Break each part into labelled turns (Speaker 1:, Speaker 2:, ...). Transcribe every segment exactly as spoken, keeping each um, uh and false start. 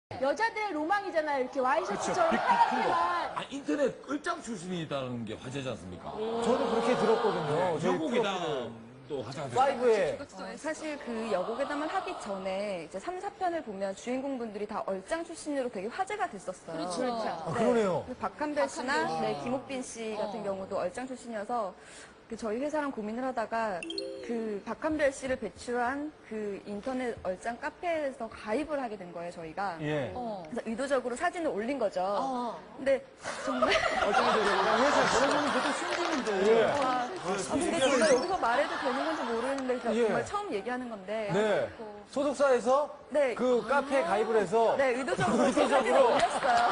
Speaker 1: 여자들의 로망이잖아요. 이렇게 와이셔츠처럼
Speaker 2: 빅, 빅 큰 거.
Speaker 1: 파랗게만.
Speaker 2: 아, 인터넷 끌장 출신이라는 게 화제지 않습니까?
Speaker 3: 저는 그렇게 들었거든요. 저희
Speaker 2: 여고괴담도 화제가 됐어요.
Speaker 3: 파이브에.
Speaker 4: 어, 사실 그 여고괴담을 하기 전에 이제 삼, 사 편을 보면 주인공분들이 다 얼짱 출신으로 되게 화제가 됐었어요.
Speaker 1: 그렇죠.
Speaker 3: 아, 그러네요.
Speaker 4: 그 박한별 씨나 네, 김옥빈 씨 같은 경우도 얼짱 출신이어서 그 저희 회사랑 고민을 하다가 그 박한별 씨를 배출한 그 인터넷 얼짱 카페에서 가입을 하게 된 거예요, 저희가.
Speaker 3: 예.
Speaker 1: 어.
Speaker 4: 그래서 의도적으로 사진을 올린 거죠.
Speaker 1: 어.
Speaker 4: 근데 정말
Speaker 3: 회사 저런 분이 보통 숨기는데.
Speaker 4: 아, 아, 근데 정말 여기서 말해도 되는 건지 모르는데 그냥
Speaker 3: 예.
Speaker 4: 정말 처음 얘기하는 건데.
Speaker 3: 네. 소속사에서
Speaker 4: 네.
Speaker 3: 그 카페에 가입을 해서.
Speaker 4: 네, 의도적으로
Speaker 3: 의도적으로.
Speaker 4: 올렸어요.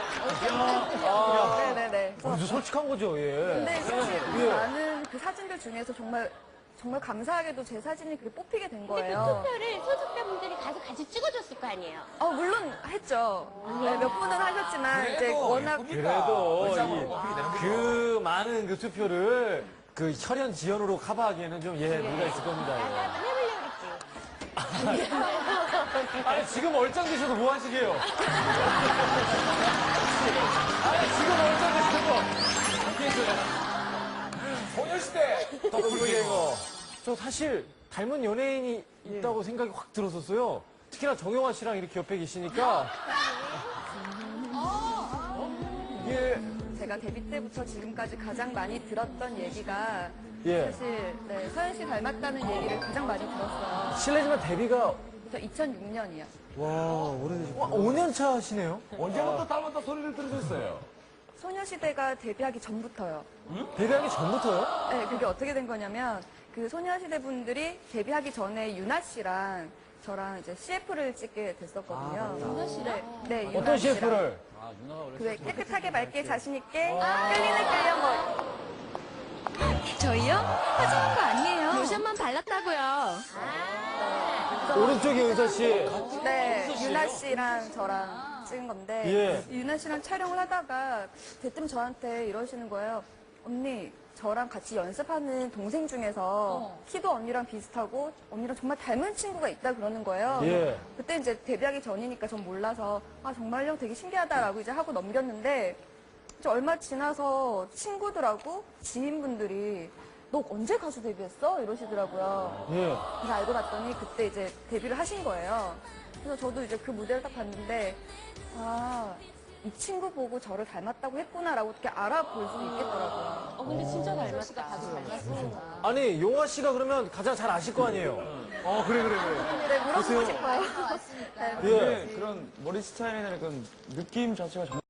Speaker 3: 아,
Speaker 4: 네네네.
Speaker 3: 완전 솔직한 거죠, 예.
Speaker 4: 근데 사실
Speaker 3: 예.
Speaker 4: 많은 그 사진들 중에서 정말 정말 감사하게도 제 사진이 그게 뽑히게 된
Speaker 1: 근데 그
Speaker 4: 거예요.
Speaker 1: 투표를 소속자분들이 가서 같이 찍어줬을 거 아니에요?
Speaker 4: 어, 물론 했죠. 네, 몇 분은 하셨지만 이제 워낙
Speaker 3: 그래도
Speaker 2: 얼짱으로
Speaker 3: 이-
Speaker 2: 뽑히게 되는 거죠.
Speaker 3: 그 많은 그 투표를 그 혈연 지연으로 커버하기에는 좀 예, 무리가 있을 겁니다.
Speaker 1: 나도
Speaker 3: 예.
Speaker 1: 한번 해보려고 그랬지.
Speaker 3: 아니, 지금 얼짱 되셔도 뭐 하시게요? 아니, 지금 얼짱 되셔도.
Speaker 2: 소녀시대
Speaker 3: 더블갱어. 저 사실 닮은 연예인이 있다고 생각이 확 들었었어요. 특히나 정영화 씨랑 이렇게 옆에 계시니까. 이게,
Speaker 4: 제가 데뷔 때부터 지금까지 가장 많이 들었던 얘기가
Speaker 3: 예.
Speaker 4: 사실 네, 서현 씨 닮았다는 얘기를 가장 많이 들었어요.
Speaker 3: 실례지만 데뷔가,
Speaker 4: 저 이천육 년이요.
Speaker 3: 와, 오래되셨구나. 오 년 차 하시네요?
Speaker 2: 언제부터 닮았다 소리를 들으셨어요?
Speaker 4: 소녀시대가 데뷔하기 전부터요.
Speaker 3: 데뷔하기 전부터요?
Speaker 4: 네, 그게 어떻게 된 거냐면 그 소녀시대 분들이 데뷔하기 전에 유나 씨랑 저랑 이제 씨에프를 찍게 됐었거든요.
Speaker 1: 유나 씨랑?
Speaker 4: 네, 네, 유나
Speaker 3: 어떤
Speaker 4: 씨랑.
Speaker 3: 씨에프를?
Speaker 4: 그왜 깨끗하게 맑게 자신 있게 끌리는 끌려 뭐. 저희요? 화장한 거 아니에요.
Speaker 1: 로션만 발랐다고요.
Speaker 3: 오른쪽에 은서 씨.
Speaker 4: 네, 유나 씨랑 저랑 찍은 건데
Speaker 3: 예.
Speaker 4: 유나 씨랑 촬영을 하다가 대뜸 저한테 이러시는 거예요. 언니, 저랑 같이 연습하는 동생 중에서 키도 언니랑 비슷하고 언니랑 정말 닮은 친구가 있다 그러는 거예요.
Speaker 3: 예.
Speaker 4: 그때 이제 데뷔하기 전이니까 전 몰라서 아 정말요? 되게 신기하다라고 이제 하고 넘겼는데 이제 얼마 지나서 친구들하고 지인분들이 너 언제 가수 데뷔했어? 이러시더라고요.
Speaker 3: 예.
Speaker 4: 그래서 알고 봤더니 그때 이제 데뷔를 하신 거예요. 그래서 저도 이제 그 무대를 딱 봤는데 아, 이 친구 보고 저를 닮았다고 했구나라고 어떻게 알아볼 수 있겠더라고요.
Speaker 1: 어, 근데 진짜 닮았다. 다들 닮았어.
Speaker 3: 아니, 용화 씨가 그러면 가장 잘 아실 거 아니에요? 어, 그래, 그래, 그래.
Speaker 4: 네, 물어보고 싶어요. 네.
Speaker 3: 예.
Speaker 5: 네, 그런 머리 스타일이나 그런 느낌 자체가 정말